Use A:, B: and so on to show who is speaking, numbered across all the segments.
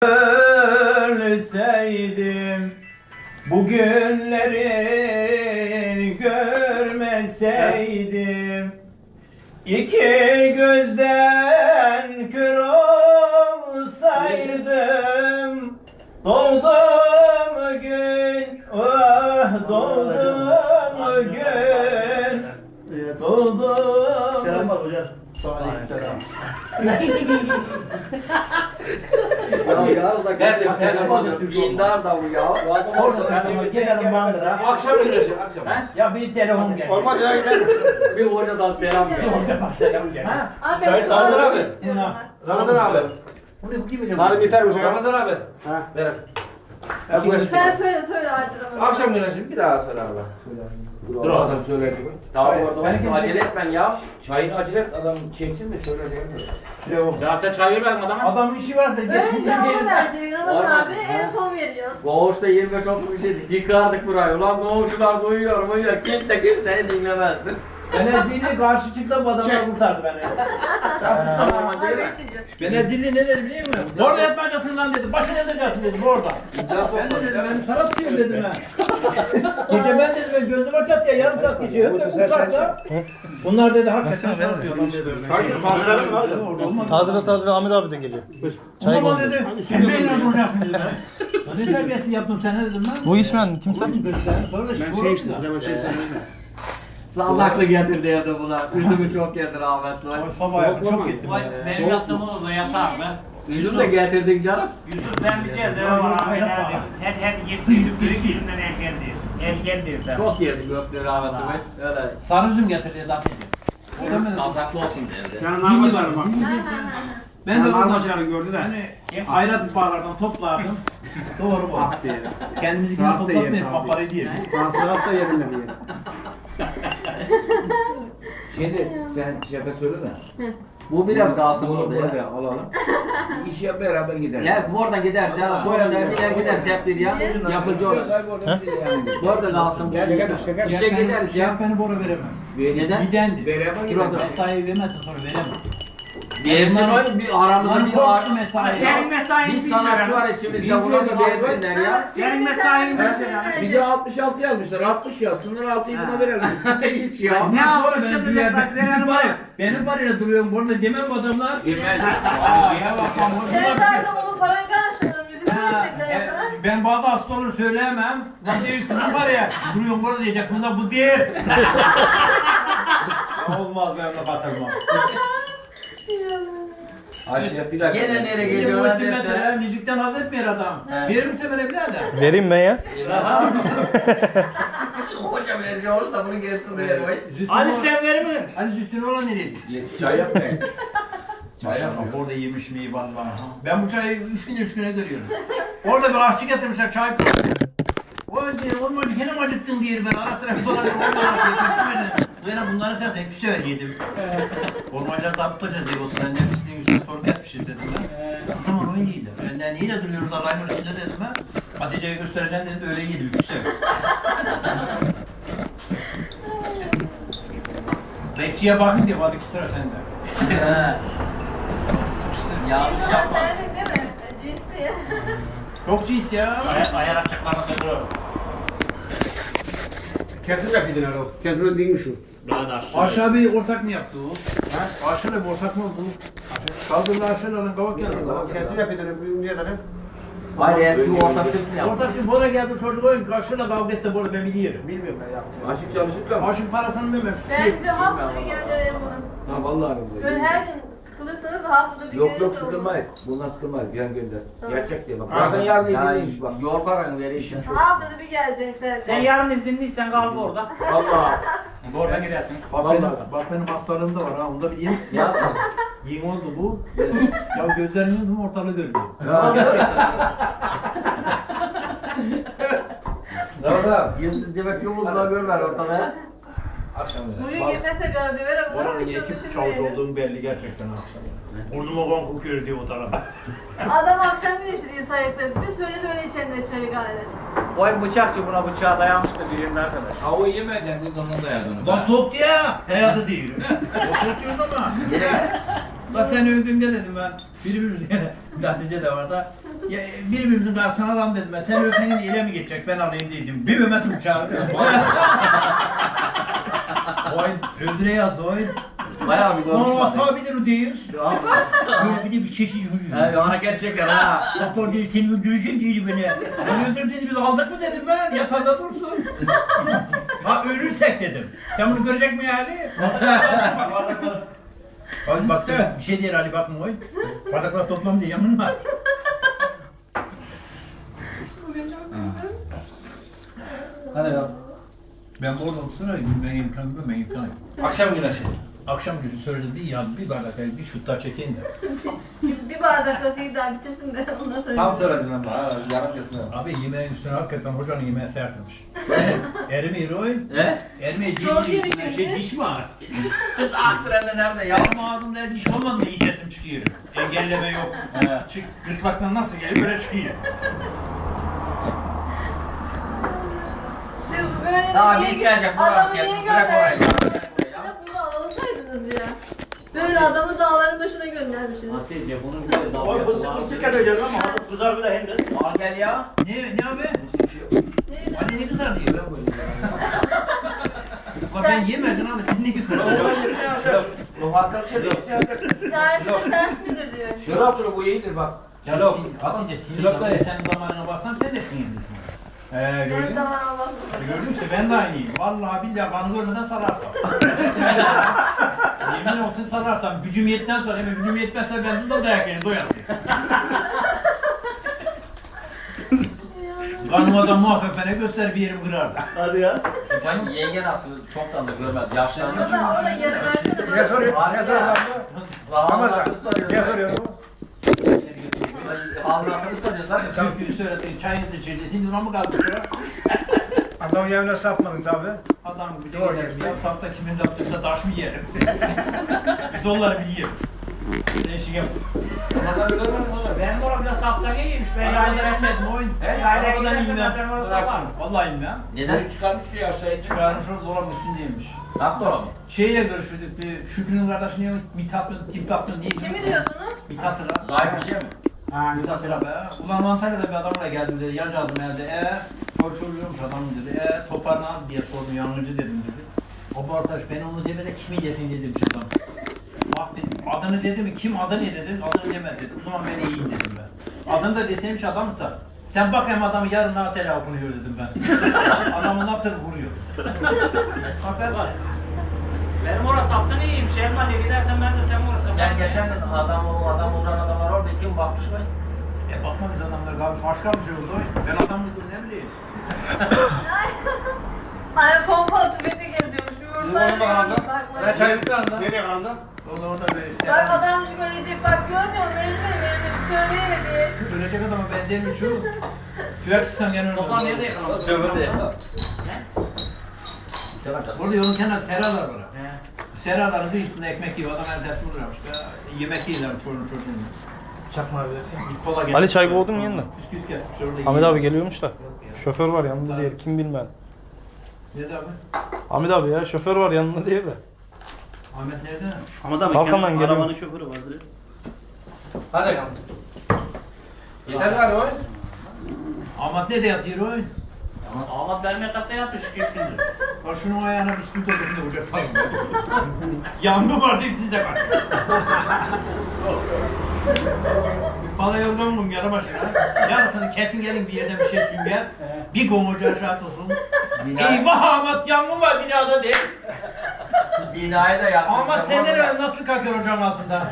A: Ölseydim bugünleri görmeseydim, iki gözden kör olsaydım, doğdum gün, ah doğdum gün, doğdum. Selam var hocam. Aleykümselam.
B: Ya geldim sen bana indar da bu ya.
A: Orada gidelim bandıra.
C: Akşam güneşi akşam.
A: Ya bir telefon geldi.
C: Olmaz ya gidelim.
B: Bir hocadan selam
A: Bir
B: ver.
A: hoca bak selam geldi.
D: Abi,
C: Çay hazır abi. Ramazan abi.
A: Bunu kim bilir?
C: Sarı biter mi? Ramazan abi. Ha. Ver.
D: Sen söyle hadi Ramazan.
C: Akşam güneşi bir daha söyle abi. Dur adam söyledi mi?
B: Tamam orada acele etmen ya.
C: Çayını acele et adam çeksin de şöyle değil mi?
E: Ya sen çay vermedin adama.
A: Adamın işi var da
D: Önce
A: gelsin
D: ona
A: gelin.
D: verecek Ramazan
B: Aynen.
D: abi en son veriyorsun.
B: Koğuşta 25-30 kişiydik. Yıkardık burayı. Ulan koğuşlar uyuyor. Kimseyi dinlemezdi.
A: Benezilli karşı çıktı bu adamlar kurtardı beni.
B: Tamam
D: Ay
B: acele et.
D: geçmeyecek.
A: Benezilli ne dedi biliyor musun? Orada yatmayacaksın lan dedi. Başına yatacaksın dedi orada. Ben de dedim ben sana tutuyorum dedim ben. Gece ben dedim ben gözüm açat ya yarım saat geçiyor. Uçarsa bunlar dedi hakikaten sana tutuyor lan dedi.
C: Çayını tazeler mi abi?
A: Orada olmaz.
F: Tazele Ahmet abi de geliyor.
A: O zaman dedi sen benimle duracaksın dedi ben. Ne terbiyesiz yaptım sana dedim ben.
F: Bu işmen kimse?
A: Sonra da şu oldu da.
B: Sazaklı getirdi evde bunlar. Üzümü çok yedi rahmetli.
A: Sabah çok gittim.
E: Benim yaptığım oldu yatar ben.
B: Üzüm de getirdik canım.
E: Yusuf ben bir cezve var abi. Her yesin biri birinden ergendir. Ergendir de.
B: Çok yedik öptü rahmetli. Öyle.
A: Sarı üzüm getirdi zaten.
B: Sazaklı olsun derdi.
E: Sen anlamadım bak.
A: Ben de oradan
E: Armaçarı gördü de.
A: hayrat bağlardan toplardım. Doğru bu. Kendimizinkini toplatmayıp paparayı diye.
C: Sanat da yerinde bir yer. Şimdi sen şefe söyle de.
B: Bu biraz kalsın
C: Bunu
B: burada ya.
C: burada alalım. İşe beraber gidelim.
B: Ya bu oradan gider canım. Koyunlar biner gider septir ya. Yapıcı olur. Burada kalsın.
C: Şeker.
B: İşe gideriz ya.
A: Şerpeni bora veremez.
B: Neden?
A: Gidendi.
C: Beraber
B: Şurada.
C: gidelim.
A: Mesai vermezse sonra veremez.
B: Yersin o bir aramızda
A: Lan
B: bir
A: korktu mesai.
E: Senin mesain
B: bir sanatçı var içimizde buna bir gelsinler ya.
E: Senin mesain
C: Bize 66 yazmışlar. 60 yazsınlar 6'yı buna verelim.
B: Hiç ya.
E: Ne
A: Sonra
E: yapmışım
A: ben bir yerde
E: bak,
A: bizim
E: verelim
A: var ya,
E: bak.
A: benim var ya duruyorum burada demem bu adamlar.
C: Yemez.
A: Ya bak
D: Sen zaten onun paranı karşıladın. Yüzünü verecekler ya sana.
A: ben bazı hastaları söyleyemem. Lan diyor üstüne var ya duruyorum burada diyecek bunda bu değil. Ya olmaz ben de batırmam.
C: Ayşe bir dakika.
B: Gene nereye
A: Bir de
B: geliyorlar
A: Muhittin mesela
B: derse.
A: müzikten haz etmiyor adam. Verir misin bana birader?
F: Vereyim ben ya.
B: Hoca veriyor olursa bunu gelsin diye.
E: Ali sen verir mi?
A: Hani Zühtün olan nereye gitti?
C: Çay yapmayın.
A: Çay yapma. Orada yemiş miyi vallahi. Ben bu çayı 3 güne görüyorum. Orada bir aşçı getirmişler çay koyuyor. O diyor olmadı gene mi acıktın diyor ben ara sıra bir dolanıyorum böyle bunların sen hep bir sefer yedim. Ormancılar zabıt hocası diye olsun ben de pisliğin üstüne sorgu etmişiz dedim ben. O zaman oyuncuydu. Benden neyle duruyoruz Allah'ın üstünde dedim ben. Hatice'ye göstereceğim dedi öyle yedim bir sefer. Bekçiye bakın diye hadi sıra sende.
B: Yanlış
D: Sen
B: yapma.
D: sevdin değil mi? Cinsi.
A: Çok cins ya.
E: Ayar açacaklarına söylüyorum.
C: Kesin rapidin o. Kesin değil mi şu?
E: Daha da aşağı.
A: Aşağı bir ortak mı yaptı o? Ha? Aşağı bir ortak mı oldu? Kaldırdı aşağı alın kavak geldi.
C: Kesin rapidin niye kadar?
B: Hayır eski ortak Türk mü yaptı?
A: Ortak bir bora geldi çocuk oyun karşıyla kavga etti burada ben biliyorum.
C: Bilmiyorum ben yaptım. Aşık çalışırken mi?
A: Aşın parasını bilmem.
D: Ben bir haftada bir göndereyim bunu.
C: Ha vallahi.
D: Böyle her gün sıkılırsanız haftada bir
C: Yok
D: gönderin
C: yok
D: de
C: sıkılmayız. Bundan sıkılmayız. Yan gönder.
D: Tamam.
C: Gerçek diye bak. Zaten yarın izinliymiş bak.
B: Yorgaran verişim
D: onu.
B: çok.
D: Haftada bir geleceksin.
E: Sen yarın izinliysen kal orada.
C: Vallahi.
E: Orada gidersin.
A: Bak benim hastalığım da var ha onu da bileyim.
B: Yazma.
A: Yeni oldu bu. Ya gözlerinin ortalığı görmüyor.
C: Ramazan.
B: Yüzü demek yolunda görmer ortada.
C: Akşam
D: Bugün gitmese gördü vere bunu
A: Oranın
D: hiç
A: iyi ekip
D: düşünmeyelim.
A: çavuş olduğum belli gerçekten akşam. Burnuma kan kokuyor diye o tarafa.
D: Adam akşam güneşi diye sayıkladı. Bir söyledi öyle içenler çayı gayret.
E: Vay bıçakçı buna bıçağı dayamıştı birinin arkadaş.
C: Hava yemeden de donuna dayadı.
A: Lan soğuk ya. Hayatı değil. Oturuyoruz ama.
B: Direkt.
A: Lan sen öldüğünde dedim ben. Biri diye. Hatice de var da. Ya, birbirimizin karşısına alalım dedim ben. Sen öfkenin ile mi geçecek ben alayım dedim. Bir Mehmet uçağı. Oy öldüre yazdı oy.
B: Bayağı bir
A: Ama
B: konuşma.
A: sabidir o diyoruz. Böyle bir de bir çeşit
B: He hareket çeker ha.
A: Doktor dedi senin öldüreceğim değil beni. Ben öldür dedi biz aldık mı dedim ben yatağında dursun. Ha ölürsek dedim. Sen bunu görecek mi yani? Hadi bak da bir şey değil Ali bakma oy. Bardaklar toplam diye yanın var.
D: Bugün çok güzel.
B: Hadi ya.
A: Ben bu orada olsana ben imkanım ben imkanım.
B: Akşam güneşi.
A: Akşam günü söyledim bir bardak bir şut daha çekeyim de.
D: Biz bir bardak rakıyı daha bitirsin de ondan sonra.
B: Tam söylesin ama ha. Yarım kesin.
A: Abi yemeğin üstüne hakikaten hocanın yemeği sertmiş. Erimi roy.
B: He?
A: Erimi
D: Çok yemiş
A: şey diş mi var?
B: Aktrende nerede ya?
A: Yarım ağzımda diş olmadı mı iyi sesim çıkıyor. Engelleme yok. Çık gırtlaktan nasıl geliyor böyle çıkıyor.
D: Siz böyle
B: Daha
D: niye
B: bir gelecek bu
D: adamı
B: adam
D: niye
B: kesin. Bırak orayı.
D: gönderdiniz? Ya bunu alsaydınız ya. Böyle adamı dağların başına göndermişsiniz.
E: Nasılca bunun böyle dalga
F: O fısık fısık edeceğiz ama hadi kızar bile hindi.
B: Al gel ya.
A: Ne abi?
D: Neydi?
A: Hani ne güzel diyor. Ulan ben yemedim abi sen ne güzel
F: Onlar
A: diyor.
F: yesin ya.
C: Bu hakikaten şey değil.
D: Hikayesi ters midir diyor.
C: Şuraya otur bu iyidir bak.
A: Silok. Hatice silok da senin damarına bassam sen de sinirlisin.
D: Ben
A: Gördün mü?
D: zaman Allah'ım.
A: Gördün mü? Ben de aynıyım. Vallahi billahi kanı görmeden sararsam. Yemin olsun sararsam. Gücüm yetten sonra hemen gücüm yetmezse ben de dayak yerim doyasın. Kanıma da muhakkak bana göster bir yerim kırardı.
F: Hadi ya.
B: Ben yenge nasıl çoktan da görmedi. Yaşlanmış.
D: Orada yarın versene.
C: Ne soruyor? Ne soruyor lan bu?
B: Ramazan'ı soruyor.
C: Ne soruyor bu?
B: Allah'ını soruyor zaten.
A: Türküyü söyledin, çayınızı içirdi. Şimdi ona mı kaldı şu?
C: Adam yerine sapmadın tabi.
A: Adam bir de
C: Doğru.
A: gider. Sapta kimin yaptıysa taş mı yerim? Biz onları biliyoruz. Değişik yap.
C: Adam bilir mi oğlum?
E: Benim orada biraz sapsakı yemiş. Ben
A: Arabadan
E: yaylaya
A: etmedim oyun.
E: Yaylaya
A: Arabadan
E: gidersen ben
A: inmem.
E: sen orada saparım.
A: Vallahi inmem.
B: Neden?
C: Çıkarmış ya şey.
A: Çıkarmış orada dolabın üstündeymiş.
B: Haklı mı?
A: Şeyle görüşürdük. Şükrü'nün kardeşi niye Mithat'ın, Tiptat'ın niye?
D: Kimi diyorsunuz?
A: Mithat'ın.
B: Zahir bir şey mi?
A: Mithat'ın be. Ulan Antalya'da bir adamla geldim dedi. Yancı adım evde. Soruşturuyormuş adam dedi. Toparlan abi diye sordum. Yangıcı dedim dedi. O arkadaş ben onu demede kimi yesin dedim adam. Bak dedim adını dedi mi? Kim adı ne dedim? Adını demedi dedi. O zaman ben iyiyim dedim ben. Adını da deseymiş adamsa. Sen bak hem adamı yarın nasıl okunuyor dedim ben. Adamı nasıl vuruyor. Fakat
E: Benim orada sapsakı iyiymiş. Elmalı'ya gidersen ben de sen orada
B: Sen
E: saparım.
B: geçen gün o adam vuran adamlar orada kim bakmış mı?
A: bakma biz adamlar kalmış. Başka bir şey oldu. Ben adam mıydım ne bileyim.
D: Ay pompa tüfekle geziyormuş. Bir vursan
C: Onu da anlat.
D: bakmayın.
B: çaylıklarında.
C: Nereye kanalda?
A: Orada böyle işte.
D: Bak adamcık ölecek bak görmüyor musun? Benim söyleyene bir.
A: Ölecek adama benzeyen şu. Tüvek sistem yanıyor.
B: Toplam nerede yakaladın?
C: Tövbe de.
A: Burada yolun kenarında seralar var.
E: He.
A: Seraların kıyısında ekmek yiyor. Adam el ders vuruyormuş. Yemek yiyorlar çocuğun.
F: Çakma abi.
A: Bir kola getir.
G: Ali çay boğdun mu yanına?
A: Bisküvit getirmiş orada.
G: Ahmet
A: yiyor.
G: abi geliyormuş da. Şoför var yanında diye kim bilmem.
A: Nerede abi?
G: Ahmet abi ya şoför var yanında diye de.
A: Ahmet nerede?
F: Ama da
G: Kalkandan geliyor.
F: arabanın şoförü vardır.
B: Hadi bakalım. Yeter galiba o.
A: Ahmet nerede yatıyor o?
E: Ahmet benim yatakta yatmış 2 gündür.
A: Bak şunun ayağına bisküvit oturduğunda vuracak sayın. Yangın var değil sizde var. Bana yorgan bulun yarı başına. Yarısını kesin gelin bir yerden bir şey sünger. Bir gomucu aşağı olsun. Eyvah Ahmet yangın var binada değil.
B: Binayı da yaptım.
A: Ahmet sen nereye nasıl kalkıyor ocağın altında?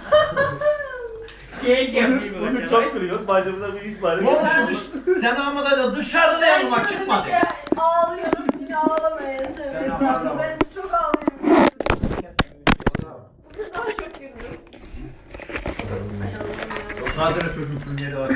E: Şey yapayım
F: Bugün çok gülüyoruz. Başımıza bir iş var.
A: Oğlum şu dış, sen Ahmet'e de dışarıda yangın var çıkmadı.
D: Ağlıyorum. Yine ağlamayın.
A: Sen ağlama.
D: Ben çok ağlıyorum. Bugün daha çok güldüm.
A: Nadire çocuksun yeri var.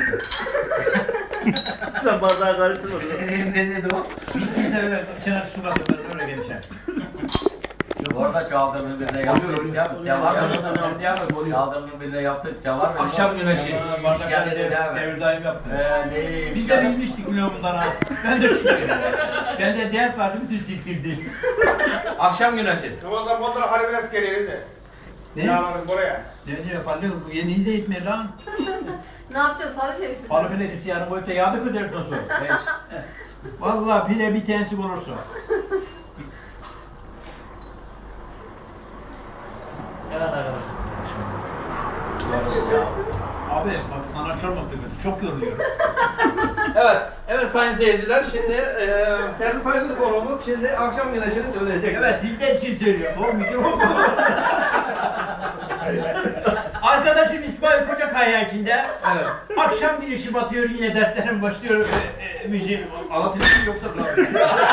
F: Sen bardağı karıştırmadın.
B: Ne dedi o?
A: Bittiyse böyle içine su katıyor öyle gelişer.
B: Orada çaldırının birine yaptık ya. Sen var mı? Çaldırının birine yaptık. Sen var mı? Akşam güneşi.
A: Bardakları
B: dedi abi.
A: devir daim yaptı.
B: Neymiş
A: Biz
B: ya?
A: de bilmiştik biliyor bundan ha. Ben de şükür. Ben de dert vardı bütün silkildi.
B: Akşam güneşi.
C: Ramazan bunlara harbi biraz gelelim de.
A: Ne?
C: Yağların buraya.
A: Ne diyor Fadıl? Bu yeni de gitmiyor lan.
D: Ne yapacağız? Salı keyfi.
A: Balı filesi yarın koyup da yağda ködersin sonra. Vallahi bile bir tensik olursun.
E: Evet arkadaşlar.
A: Abi bak sana çormak döküldü. Çok yoruluyorum.
C: Evet sayın seyirciler şimdi Ferdi Tayfur konumuz şimdi akşam güneşini söyleyecek.
A: Evet sizden için söylüyorum. O mikrofon. Arkadaşım İsmail Kocakaya içinde.
C: Evet.
A: Akşam bir işi batıyor yine dertlerim başlıyor. Müziği anlatayım yoksa bırakayım.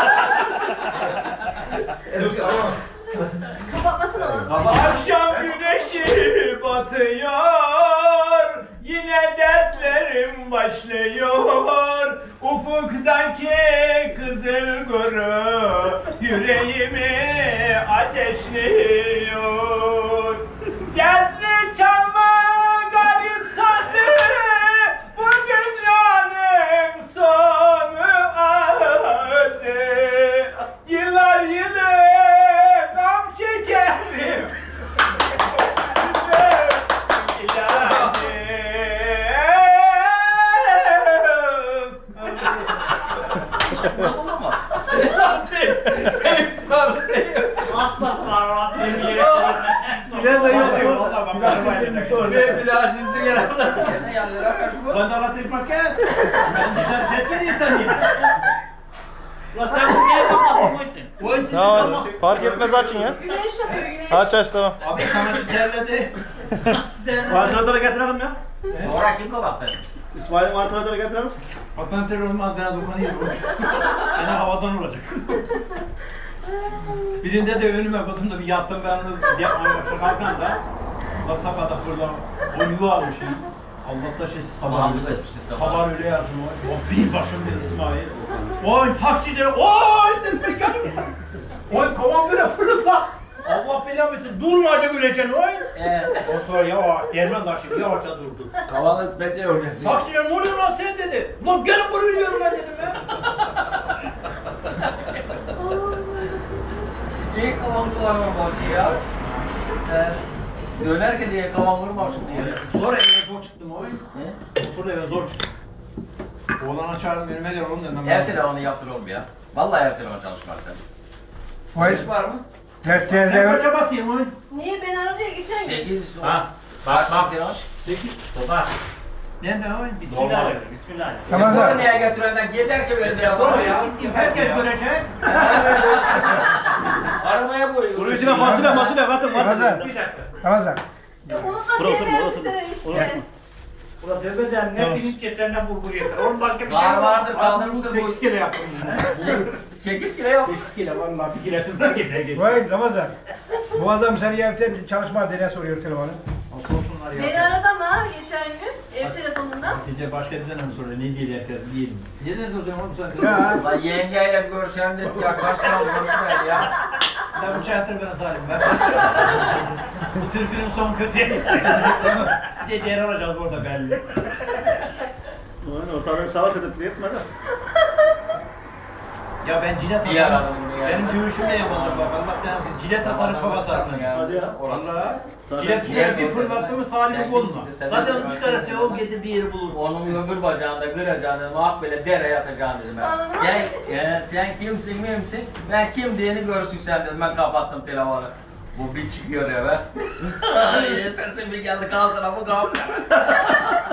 D: Kapatmasana onu.
A: Akşam güneşi batıyor, yine dertlerim başlıyor. Ufuktaki kızıl guru yüreğimi ateşliyor. Dertli çalma garip sandı, bu dünyanın sonu ağzı. Yıllar yılı gam çekerim.
B: Nasıl ama?
C: Benim sanatı değil.
E: Atlaslar Rabbim yere.
A: Bilen de yok diyor. Valla bak.
C: Bir daha çizdik herhalde.
B: Yerine yanıyor arkadaş bu.
A: Ben de anlatayım bakayım. Ben size ses vereyim sanayım.
E: Ulan sen bu yere kapattın mı?
A: O işin
G: Tamam. Fark etmez açın ya.
D: Güneş yapıyor güneş.
G: Aç tamam.
A: Abi sanatçı terledi.
F: Vantilatörü getirelim ya.
B: Oraya kim kapattı?
F: İsmail'in vantilatörü getirelim.
A: Patentler olmaz bana dokunuyor. Yine havadan olacak. Birinde de önüme batımda bir yattım ben onu yapmaya başlarken da sabahda burada o yuva almışım. Allah'ta şey sabah
B: Hazır etmiştin sabah.
A: sabah öyle yazdım o bir başım dedi İsmail. Oy taksileri oy dedim geldim. Oy kovan böyle fırlatla. Allah belanı versin durmayacak öleceksin oy. O sonra yavaş derman taşı yavaşça durdu.
C: Kavanlık bekliyor.
A: Taksiler ne oluyor lan sen dedi. Lan gelin buraya diyorum ben dedim ya.
B: İyi kavan kullanmamışsın ya. Dönerken diye kavan vurmamışım diye.
A: Sonra eve zor çıktım oy.
B: Ne?
A: Sonra eve zor çıktım. Oğlan açarım önüme gel oğlum dedim.
B: Ev telefonu yaptır oğlum ya. Vallahi ev telefonu çalışmaz sen.
C: Polis var mı?
A: Sen kaça basayım oy?
D: Niye ben aradı ya geçen gün?
B: 8
E: Ha, bak bak.
B: telefon.
A: 8.
E: Bak.
A: Nerede oy?
E: Bismillahirrahmanirrahim. Bismillahirrahmanirrahim.
B: Bunu niye götürenden gider ki böyle telefonu
A: Oğlum
B: ya.
A: siktim herkes görecek.
C: Arabaya koyuyor.
F: Bunun içine fasulye katın
E: Bir dakika.
H: Ramazan.
D: Ya unutma diye vermişler işte.
E: Ulan Dövbezen ne pirinç cetlerinden bulgur yeter. Onun başka bir şey
B: Var
E: yok.
B: vardır kaldırmıştır bu.
E: 8 kere yaptım.
B: 8 kilo yok.
A: 8 kilo vallahi bir kilesinden gider.
H: Vay Ramazan. Bu adam seni evde çalışma diye soruyor telefonu.
A: Olsunlar ya.
D: Beni aradı ama geçen gün ev telefonundan.
A: Gece başka birden mi soruyor? Ne diye herkes diyelim. Neden soruyorsun oğlum sen?
H: Ya.
B: Lan yengeyle bir görüşelim dedik ya. Kaç tane görüşmeyelim ya.
A: Sen bu çayatır bana Salim. Ben bu türkünün son kötüye gidecek. Bir de diğer alacağız orada belli.
F: Ortadan salak edip yetmedi.
A: Ya ben cilet
B: Bir
A: atarım.
B: aradım bunu ya.
A: Benim dövüşüm de yapalım bak. Allah sen cilet atarım kapatarım.
F: Hadi ya.
A: Vallahi.
F: Zaten-
A: Cilet şöyle bir fırlattı mı Salim'i
B: Sen
A: bozma.
B: kimsin? Sen
A: Zaten
B: de-
A: onu çıkarırsa o gidi bir yeri bulur.
B: Onun öbür bacağında kıracağını, muhak böyle dereye atacaksın dedim ben. Sen kimsin, mimsin? Ben kim diyeni görsün sen dedim. Ben kapattım telefonu. Bu bir çıkıyor eve. Yetersin bir geldi kaldı bu kapı.